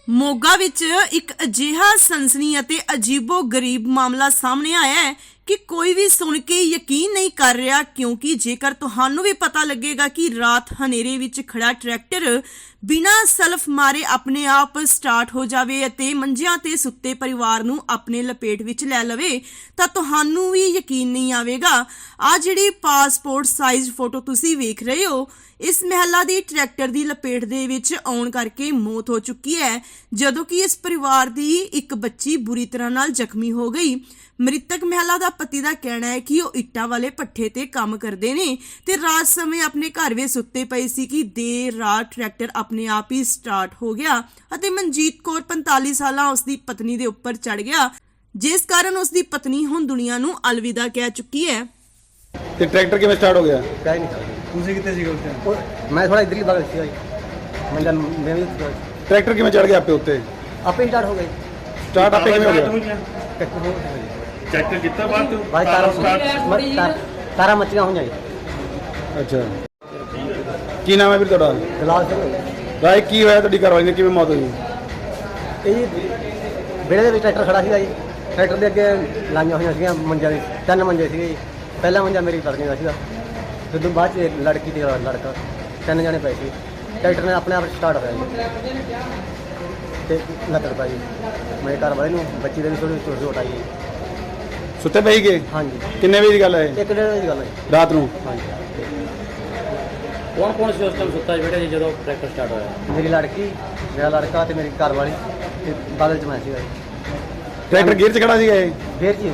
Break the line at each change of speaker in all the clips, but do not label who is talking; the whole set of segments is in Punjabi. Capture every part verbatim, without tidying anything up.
ਮੋਗਾ ਵਿੱਚ ਇੱਕ ਅਜਿਹਾ ਸਨਸਨੀ ਅਤੇ ਅਜੀਬੋ ਗਰੀਬ ਮਾਮਲਾ ਸਾਹਮਣੇ ਆਇਆ ਹੈ ਕਿ ਕੋਈ ਵੀ ਸੁਣ ਕੇ ਯਕੀਨ ਨਹੀਂ ਕਰ ਰਿਹਾ, ਕਿਉਂਕਿ ਜੇਕਰ ਤੁਹਾਨੂੰ ਵੀ ਪਤਾ ਲੱਗੇਗਾ ਕਿ ਰਾਤ ਹਨੇਰੇ ਵਿੱਚ ਖੜਾ ਟਰੈਕਟਰ ਬਿਨਾਂ ਸਲਫ ਮਾਰੇ ਆਪਣੇ ਆਪ ਸਟਾਰਟ ਹੋ ਜਾਵੇ ਅਤੇ ਮੰਜਿਆਂ ਤੇ ਸੁੱਤੇ ਪਰਿਵਾਰ ਨੂੰ ਆਪਣੇ ਲਪੇਟ ਵਿੱਚ ਲੈ ਲਵੇ ਤਾਂ ਤੁਹਾਨੂੰ ਵੀ ਯਕੀਨ ਨਹੀਂ ਆਵੇਗਾ। ਆ ਜਿਹੜੀ ਪਾਸਪੋਰਟ ਸਾਈਜ਼ ਫੋਟੋ ਤੁਸੀਂ ਵੇਖ ਰਹੇ ਹੋ, ਇਸ ਮਹਿਲਾ ਦੀ ਟਰੈਕਟਰ ਦੀ ਲਪੇਟ ਦੇ ਵਿੱਚ ਆਉਣ ਕਰਕੇ ਮੌਤ ਹੋ ਚੁੱਕੀ ਹੈ, ਜਦੋਂ ਕਿ ਇਸ ਪਰਿਵਾਰ ਦੀ ਇੱਕ ਬੱਚੀ ਬੁਰੀ ਤਰ੍ਹਾਂ ਨਾਲ ਜ਼ਖਮੀ ਹੋ ਗਈ। ਮ੍ਰਿਤਕ ਮਹਿਲਾ ਦਾ ਪਤੀ ਦਾ ਕਹਿਣਾ ਹੈ ਕਿ ਉਹ ਇੱਟਾਂ ਵਾਲੇ ਪੱਠੇ ਤੇ ਕੰਮ ਕਰਦੇ ਨੇ ਤੇ ਰਾਤ ਸਮੇਂ ਆਪਣੇ ਘਰ ਵਿੱਚ ਸੁੱਤੇ ਪਏ ਸੀ ਕਿ ਦੇਰ ਰਾਤ ਟਰੈਕਟਰ ਆਪਣੇ ਆਪ ਹੀ ਸਟਾਰਟ ਹੋ ਗਿਆ ਅਤੇ ਮਨਜੀਤ ਕੌਰ ਪੰਤਾਲੀ ਸਾਲਾਂ ਉਸ ਦੀ ਪਤਨੀ ਦੇ ਉੱਪਰ ਚੜ ਗਿਆ, ਜਿਸ ਕਾਰਨ ਉਸ ਦੀ ਪਤਨੀ ਹੁਣ ਦੁਨੀਆ ਨੂੰ ਅਲਵਿਦਾ ਕਹਿ ਚੁੱਕੀ ਹੈ।
ਤੇ ਟਰੈਕਟਰ ਕਿਵੇਂ ਸਟਾਰਟ ਹੋ ਗਿਆ?
ਕਹਿ ਨਹੀਂ ਸਕਦਾ।
ਤੁਸੀਂ ਕਿੱਥੇ ਸੀਗੇ ਉਸ ਟਾਈਮ?
ਉਹ ਮੈਂ ਥੋੜਾ ਇਧਰਲੀ ਬਗਲ ਸੀ ਮੈਂ ਜਦ ਮੈਂ ਵੀ
ਟਰੈਕਟਰ ਕਿਵੇਂ ਚੜ ਗਿਆ ਆਪੇ ਉੱਤੇ?
ਆਪੇ ਹੀ ਸਟਾਰਟ ਹੋ ਗਏ।
ਸਟਾਰਟ ਆਪੇ ਕਿਵੇਂ ਹੋ ਗਿਆ?
ਚੈੱਕ ਕੀਤਾ ਬਾਅਦ ਤੋਂ
ਬਾਈ ਤਾਰਾ ਤਾਰਾ ਮੱਚੀਆਂ ਹੋਈਆਂ ਜੀ।
ਅੱਛਾ, ਕੀ ਨਾਮ ਹੈ ਵੀਰ ਤੁਹਾਡਾ?
ਗਲਾਸ ਸਿੰਘ
ਰਾਏ, ਕੀ ਹੋਇਆ ਤੁਹਾਡੀ ਘਰਵਾਲੀ ਨੇ, ਕਿਵੇਂ ਮੌਤ ਹੋਈ?
ਇਹ ਵਿਹੜੇ ਦੇ ਵਿੱਚ ਟਰੈਕਟਰ ਖੜਾ ਸੀਗਾ ਜੀ। ਟਰੈਕਟਰ ਦੇ ਅੱਗੇ ਲਾਈਆਂ ਹੋਈਆਂ ਸੀਗੀਆਂ ਮੰਜਾ ਦੇ, ਤਿੰਨ ਮੰਜੇ ਸੀਗੇ ਜੀ। ਪਹਿਲਾ ਮੰਜਾ ਮੇਰੀ ਪਤਨੀ ਦਾ ਸੀਗਾ, ਫਿਰ ਤੋਂ ਬਾਅਦ 'ਚ ਲੜਕੀ ਤੇ ਲੜਕਾ, ਤਿੰਨ ਜਣੇ ਪਏ ਸੀ। ਟਰੈਕਟਰ ਨੇ ਆਪਣੇ ਆਪ ਸਟਾਰਟ ਹੋਇਆ ਜੀ ਤੇ ਲੱਤੜ ਪਾਈ ਮੇਰੇ ਘਰ ਵਾਲੇ ਨੂੰ, ਬੱਚੀ ਦੇ ਵੀ ਥੋੜੀ ਥੋੜੀ ਚੋਟ ਆਈ।
ਸੁੱਤੇ ਪਈ ਗਏ?
ਹਾਂਜੀ।
ਕਿੰਨੇ ਵਜੇ ਦੀ ਗੱਲ ਹੈ ਇਹ?
ਇੱਕ ਡੇਢ ਵਜੇ ਦੀ ਗੱਲ ਹੈ
ਰਾਤ ਨੂੰ?
ਹਾਂਜੀ।
ਕੌਣ ਕੌਣ ਸੀ ਉਸ ਟਾਈਮ ਸੁੱਤਾ ਸੀ ਬੇਟਾ ਜੀ ਜਦੋਂ ਟਰੈਕਟਰ ਸਟਾਰਟ ਹੋਇਆ?
ਮੇਰੀ ਲੜਕੀ, ਮੇਰਾ ਲੜਕਾ ਤੇ ਮੇਰੀ ਘਰ ਵਾਲੀ ਤੇ ਬਾਦਲ ਚ ਮੈਂ ਸੀਗਾ ਜੀ।
ਟਰੈਕਟਰ ਗੇਅਰ 'ਚ ਖੜਾ ਸੀਗਾ ਇਹ?
ਫੇਰ ਜੀ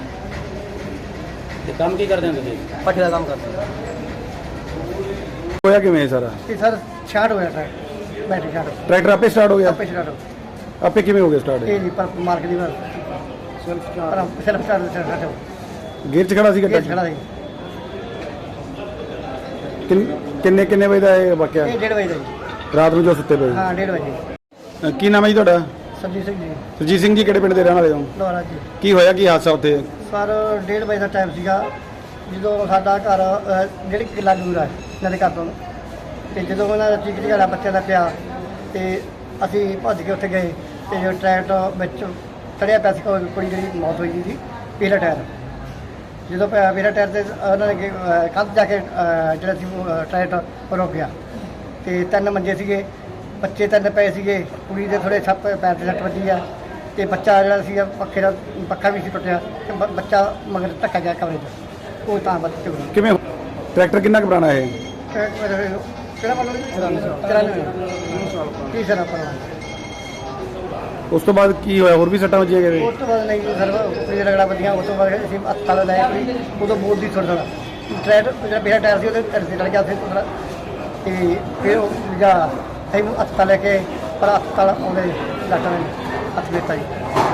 ਤੇ ਕੰਮ ਕੀ ਕਰਦੇ ਹੋ ਤੁਸੀਂ?
ਪੱਠੇ ਦਾ ਕੰਮ ਕਰਦੇ
ਹੋਇਆ ਕਿਵੇਂ ਇਹ ਸਾਰਾ?
ਕਿ ਸਰ ਸ਼ਾਰਟ ਹੋਇਆ ਟਰੈਕਟਰ, ਬੈਟਰੀ ਸ਼ਾਰਟ
ਟਰੈਕਟਰ ਆਪੇ ਸਟਾਰਟ ਹੋ ਗਿਆ?
ਆਪੇ ਸ਼ਾਰਟ।
ਆਪੇ ਕਿਵੇਂ ਹੋ ਗਿਆ ਸਟਾਰਟ?
ਇਹ ਨਹੀਂ ਪਰ ਮਾਰਕ ਦੀ ਵਾਰ self start self start
gear 'ਚ ਖੜਾ ਸੀਗਾ
ਇਹ
ਟਰੈਕਟਰ?
ਖੜਾ ਸੀ।
ਕਿੰਨ- ਕਿੰਨੇ ਕਿੰਨੇ ਵਜੇ ਦਾ ਇਹ ਵਾਕਿਆ?
ਇਹ ਡੇਢ ਵਜੇ ਦਾ ਜੀ।
ਰਾਤ ਨੂੰ ਜੋ ਸੁੱਤੇ ਪਏ?
ਹਾਂ ਡੇਢ ਵਜੇ।
ਅ, ਕੀ ਨਾਮ ਹੈ ਜੀ ਤੁਹਾਡਾ?
ਸਰਜੀਤ ਸਿੰਘ ਜੀ,
ਸਰਜੀਤ ਸਿੰਘ ਜੀ, ਕਿਹੜੇ ਪਿੰਡ ਦੇ ਰਹਿਣ ਵਾਲੇ ਹੋ?
ਲੋਹਾਰਾ ਜੀ।
ਕੀ ਹੋਇਆ, ਕੀ ਹਾਦਸਾ ਉੱਥੇ?
ਸਰ ਡੇਢ ਵਜੇ ਦਾ ਟਾਈਮ ਸੀਗਾ ਜਦੋਂ ਸਾਡਾ ਘਰ ਅ, ਜਿਹੜੀ ਕਿੱਲਾ ਦੂਰ ਹੈ ਇਹਨਾਂ ਦੇ ਘਰ ਤੋਂ, ਤੇ ਜਦੋਂ ਉਹਨਾਂ ਦਾ ਚੀਕ ਝਗੜਾ ਬੱਚਿਆਂ ਦਾ ਪਿਆ ਤੇ ਅਸੀਂ ਭੱਜ ਕੇ ਉੱਥੇ ਗਏ ਤੇ ਜੋ ਟਰੈਕਟਰ ਵਿੱਚ ਚੜਿਆ ਪਿਆ ਸੀ, ਉਹ ਕੁੜੀ ਜਿਹੜੀ ਮੌਤ ਹੋਈ ਸੀ ਪਹਿਲਾ ਟਾਇਰ। ਜਦੋਂ ਪ- ਪਹਿਲਾ ਟਾਇਰ ਤੇ ਉਹਨਾਂ ਨੇ ਕੱਲ੍ਹ ਜਾ ਕੇ ਅ, ਜਿਹੜਾ ਸੀ ਉਹ, ਅ, ਟਰੈਕਟਰ ਰੁਕ ਗਿਆ ਤੇ ਤਿੰਨ ਮੰਜੇ ਸੀਗੇ, ਬੱਚੇ ਤਿੰਨ ਪਏ ਸੀਗੇ, ਕੁੜੀ ਦੇ ਥੋੜੇ ਸੱਪ ਪੈਰ ਤੇ ਸੱਟ ਵੱਜੀ ਆ ਤੇ ਬੱਚਾ ਜਿਹੜਾ ਸੀਗਾ ਪੱਖੇ ਦਾ ਪੱਖਾ ਵੀ ਸੀ ਟੁੱਟਿਆ ਤੇ ਬ- ਬੱਚਾ ਮਗਰ ਧੱਕਾ ਗਿਆ ਕਮਰੇ 'ਚ, ਉਹ ਤਾਂ ਬੱਚੇ ਹੋਏ।
ਕਿਵੇਂ? ਟਰੈਕਟਰ ਕਿੰਨਾ ਕੁ ਪੁਰਾਣਾ ਇਹ?
ਕਿਹੜਾ ਮੰਨ ਲਓ ਚਰਾਨਵੇਂ ਕੀ ਸਰ ਆਪਾਂ
ਉਸ ਤੋਂ ਬਾਅਦ ਕੀ ਹੋਇਆ? ਹੋਰ ਵੀ ਸੱਟਾਂ ਵੱਜੀਆਂ ਕਿਤੇ?
ਉਸ ਤੋਂ ਬਾਅਦ ਨਹੀਂ ਸਰ ਕੁੜੀ ਰਗੜਾ ਵਧੀਆ, ਉਸ ਤੋਂ ਬਾਅਦ ਅਸੀਂ ਹਸਪਤਾਲ ਲੈ ਗਏ। ਉਦੋਂ ਬੋਲ ਦੀ ਥੋੜਾ ਥੋੜਾ ਟਾਇਰ ਜਿਹੜਾ ਮੇਰਾ ਟਾਇਰ ਸੀ ਉਹਦੇ ਢਿੱਡ 'ਤੇ ਲੜ ਗਿਆ ਉੱਥੇ ਥੋੜਾ, ਤੇ ਫਿਰ ਉਹ ਜਾ ਅਸੀਂ ਹਸਪਤਾਲ ਲੈ ਕੇ ਪਰ ਹਸਪਤਾਲ ਆਉਂਦੇ ਡਾਕਟਰ ਨੇ ਹੱਥ ਦਿੱਤਾ ਜੀ।